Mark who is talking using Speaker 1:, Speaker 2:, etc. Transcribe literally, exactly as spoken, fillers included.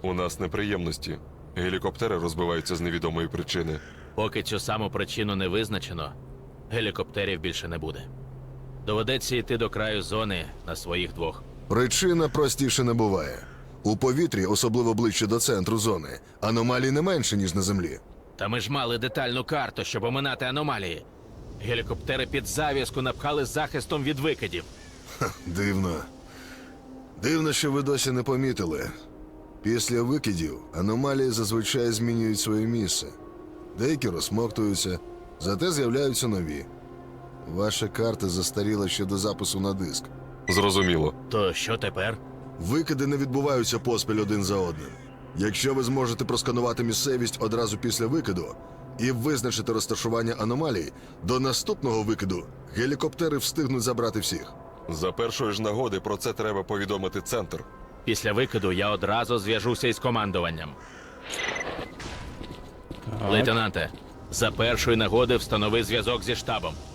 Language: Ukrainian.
Speaker 1: У нас неприємності. Гелікоптери розбиваються з невідомої причини.
Speaker 2: Поки цю саму причину не визначено, гелікоптерів більше не буде. Доведеться йти до краю зони на своїх двох.
Speaker 3: Причина простіше не буває. У повітрі, особливо ближче до центру зони, аномалій не менше, ніж на землі.
Speaker 2: Та ми ж мали детальну карту, щоб оминати аномалії. Гелікоптери під зав'язку напхали захистом від викидів.
Speaker 3: Дивно. Дивно, що ви досі не помітили. Після викидів аномалії зазвичай змінюють своє місце. Деякі розсмоктуються, зате з'являються нові. Ваша карта застаріла ще до запису на диск.
Speaker 1: Зрозуміло.
Speaker 2: То що тепер?
Speaker 3: Викиди не відбуваються поспіль один за одним. Якщо ви зможете просканувати місцевість одразу після викиду і визначити розташування аномалій, до наступного викиду гелікоптери встигнуть забрати всіх.
Speaker 1: За першої ж нагоди про це треба повідомити центр.
Speaker 2: Після викиду я одразу зв'яжуся із командуванням. Лейтенанте, за першої нагоди встанови зв'язок зі штабом.